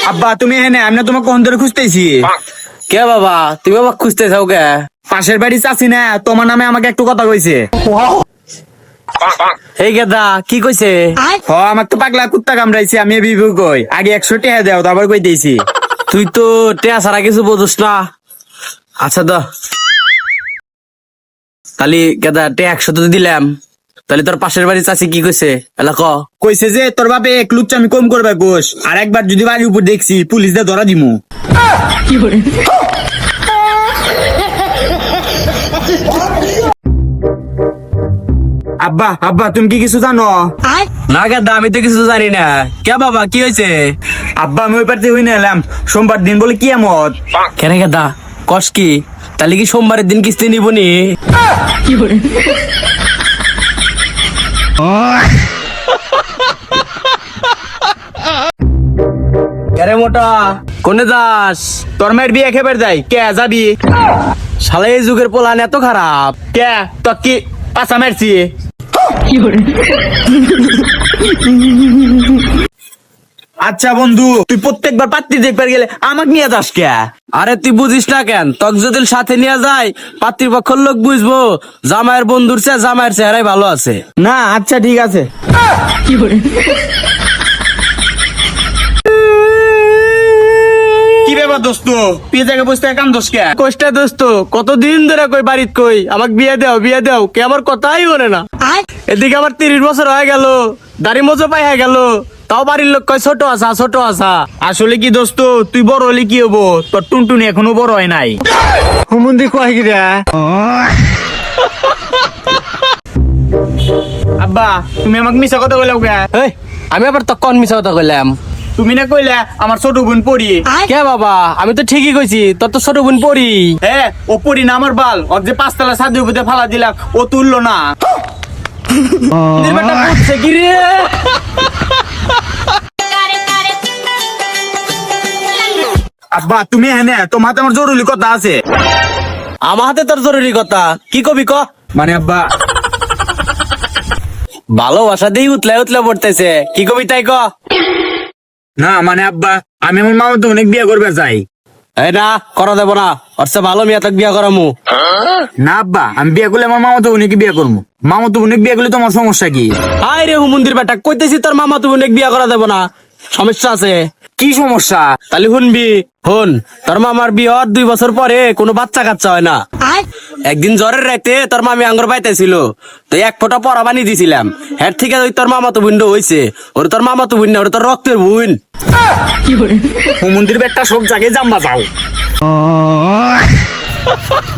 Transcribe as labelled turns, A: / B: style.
A: আব্বা তুমি এখানে, আমি না তোমাকে কোন ধরে খুঁজতেছি।
B: কে বাবা, তুমি আমাকে খুঁজতে চাও কে?
A: পাশের বাড়ি চাচি না তোমার নামে আমাকে একটু কথা কইছে।
B: এই গেদা কি কইছে?
A: আমাকে তো পাগলা কুত্তা কামড়াইছে, আমি বিবু কই আগে 100 টাকা দাও তারপর কই দিয়েছি।
B: তুই তো টেয়া ছাড়া কিছু বোঝস না। আচ্ছা দ তাহলে গেদা টে 100 তো দিলাম, তাহলে তোর পাশের বাড়ি চাচি কি কইছে এলা ক?
A: কইছে যে তোর বাপে এক লুচ্চা আমি কম করবে গোস, আর একবার যদি বাড়ির উপর দেখছি পুলিশ দিয়ে ধরা দিমু। আব্বা আব্বা তুমি কি কিছু জানো?
B: না গেদা আমি তো কিছু জানি না। কে বাবা কি হয়েছে?
A: আব্বা আমি ওই পারতে হই না এলাম, সোমবার দিন বলে কি আমত।
B: কেন গেদা কস কি? তাহলে কি সোমবারের দিন কিস্তি নিবনি? আরে মোটা কোনে যাস?
A: তোর মায়ের বিয়ে খেবার যাই, কে যাবি?
B: শালা এই যুগের পোলান এত খারাপ।
A: কে তো কি পাশা মারছি? আচ্ছা বন্ধু, তুই প্রত্যেকবার পাত্রী দেখবার গেলে আমাকে নিয়ে যাস কে?
B: আরে তুই বুঝিস না কেন? তক যদি সাথে নিয়ে যায় পাত্রীপক্ষের লোক বুঝবো জামাইয়ের বন্ধুর চেয়ে জামাইয়ের চেহারাই ভালো আছে।
A: না আচ্ছা ঠিক আছে। কি ব্যাপার দোস্ত, তুই জায়গায় বসতে কাম দোষ কে?
B: কষ্টা দোস্ত কতদিন ধরে কই বাড়িত কই আমাকে বিয়ে দাও কে আমার কথাই বলে না। এদিকে আমার 30 বছর হয়ে গেল, দাড়ি মজো পাই হয়ে গেল, তাও বাড়ির লোক কয় ছোট আসা।
A: আসলে কি দোস্ত, তুই বড় হলে কি হবো, তোর টুনটুনি এখনো বড় হয় নাই।
B: হুমুন্দি কয় কি রে?
A: আব্বা তুমি আমাকে মিশা কথা বলে কে?
B: এই আমি আবার তো কোন মিছা কথা কইলাম?
A: তুমি না কইলে আমার ছোট বোন পড়ি।
B: কে বাবা আমি তো ঠিকই কইছি, তোর তো ছোট বোন পড়ি।
A: হ্যাঁ ও পড়ি না আমার বাল, ওর যে 5 তলা ছাদের উপরে ফালা দিলাম ও তুললো না।
B: বেটা পড়ছে কি রে?
A: আব্বা তুমি এনে, তোমার হাতে আমার জরুরি কথা আছে।
B: আমার হাতে তোর জরুরি কথা কি কবি ক?
A: মানে আব্বা
B: ভালোবাসা দিয়ে উতলা পড়তেছে, কি কবি তাই ক?
A: না মানে আব্বা আমি আমার মামা তো অনেক বিয়ে করবে চাই।
B: এই না করা দেব না, ওর চেয়ে ভালো মেয়ে তাকে বিয়া করামু।
A: না আব্বা আমি বিয়ে করলে আমার মামা তো অনেক বিয়ে করবো, মামা তো অনেক বিয়ে করলে তোমার সমস্যা কি?
B: হাই রে হুমুন্দির বেটা, কইতেছি তোর মামা তুমি অনেক বিয়া করা দেব না, সমস্যা আছে।
A: কি সমস্যা?
B: তাহলে শুনবি হন, তোর মামার বিয়ে হওয়ার 2 বছর পরে কোনো বাচ্চা কাচ্চা হয় না। একদিন জ্বরের রাইতে তোর মামি আঙ্গুর পাইতেছিল, তো 1 ফোঁটা পরা বানিয়ে দিছিলাম, হের থেকে ওই তোর মামা তো বুন্ড হইছে। ওর তোর মামা তো বুন না, ওর তোর রক্তের বুন।
A: মন্দির বেটটা সব জায়গায় জাম্বা যাও।